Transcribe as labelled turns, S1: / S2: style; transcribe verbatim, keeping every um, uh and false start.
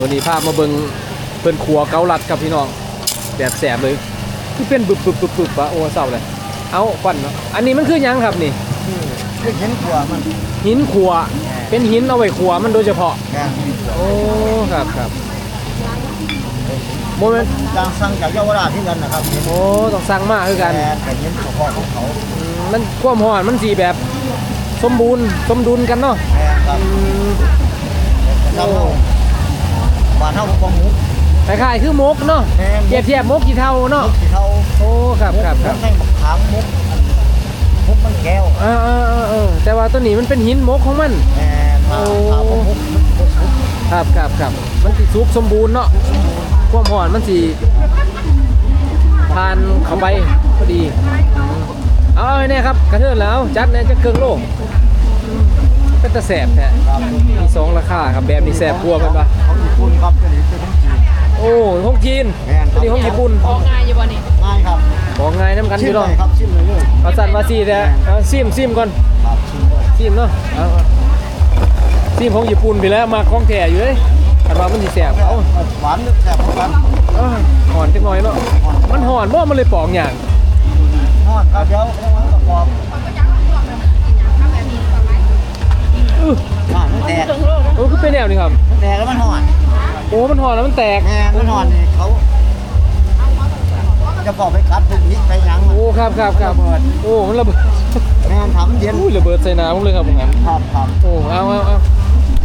S1: วันนี้พามาเบิ่งเพิ่นขัวเกาลัดครับพี่น้องแบบแสบเลยที่เป็นบึบบึบบึบบึบปะโอ้เศร้าเลยเอาควันเนาะอันนี้มันคือหยังครับนี่
S2: คือหินขัวมัน
S1: หินขัวเป็นหินเอาไว้ขัวมันโดยเฉพาะ
S2: แกงหินขัว
S1: โอ้ครับครับโมเมนต์
S2: จางสั่งจากเยาวราชที่กันนะครับหิน
S1: โอ้ต้องสั่งมาคือกัน
S2: แกงเป็นหินเฉพาะของเขา
S1: อืมมันความหอนมันสีแบบสมบูรณ์สมดุลกันเนาะ
S2: แกงครับ
S1: อืม
S2: เจ้าเท่าบ้านเท่าของหมู
S1: คล้ายๆคือมกเนาะ
S2: แกง
S1: เทียบเทียบมกกี่เท่าเนาะ
S2: ที่เท่า
S1: โอ้ครับครับครับ
S2: แม่งบักขามมุกมุกมันแก้ว
S1: เออเออเออเออแต่ว่าตัวนี้มันเป็นหินมกของมัน
S2: แกงมาขามมุกมุกมุก
S1: ครับครับครับมันสิสุกสมบูรณ์เนาะความหอนมันสิทานเข้าไปพอดีอืมเอาเอาเนี่ยครับกระเทือนแล้วจัดเนี่ยจะเครื่องโลกอืมเป็นตะแสบแท้
S2: ครับ
S1: มีสองราคาครับแบบนี้แสบกลัวกันปะ
S2: ของญี่ปุ่นครับตัวนี้เป็นของจีน
S1: โอ้ห้องจีน
S2: แม่นครับ
S1: ตัวนี้ห้องญี่ปุ่น
S3: ของง่ายอยู่บ่นี่
S2: ง่ายครับ
S1: ของง่ายน้ำกันอ
S2: ชิม
S1: ยู่
S2: เล
S1: เนาะ
S2: ยครับชิมเลยเลย
S1: เอาสั่นมาซีแต่เอาซิมซิมก่อน
S2: ครับชิมเลย
S1: ซิมเนาะเอาเอาซิมของญี่ปุ่นไปแล้วมาของแท้อยู่เลยคันว่ามันสิแสบเอา
S2: หวานนึกแซ่บเหมือนกัน
S1: เอ้ยหอนจังหน่อยเนาะมันหอนบ่มันเลยปอกอย่าง
S2: ทอดครับเดี๋ยวประกอบ
S1: อื้อ
S2: อ่ามันแตก
S1: โอ้คือเป็นแนวนี่ครับ
S2: มันแตกแล้วมันหอน
S1: โอ้มันหอนแล้วมันแตก
S2: แม่มันหอนนี่เขาจะบอกไปคัดไปพริกไปหยัง
S1: โอ้ครับครับครับโอ้มันระเบิด
S2: แม่ทำเย็น
S1: อุ้ยระเบิดใส่น้ำผมเลยครับผมงั้น
S2: ครับครับ
S1: โอ้เอาเอาเอา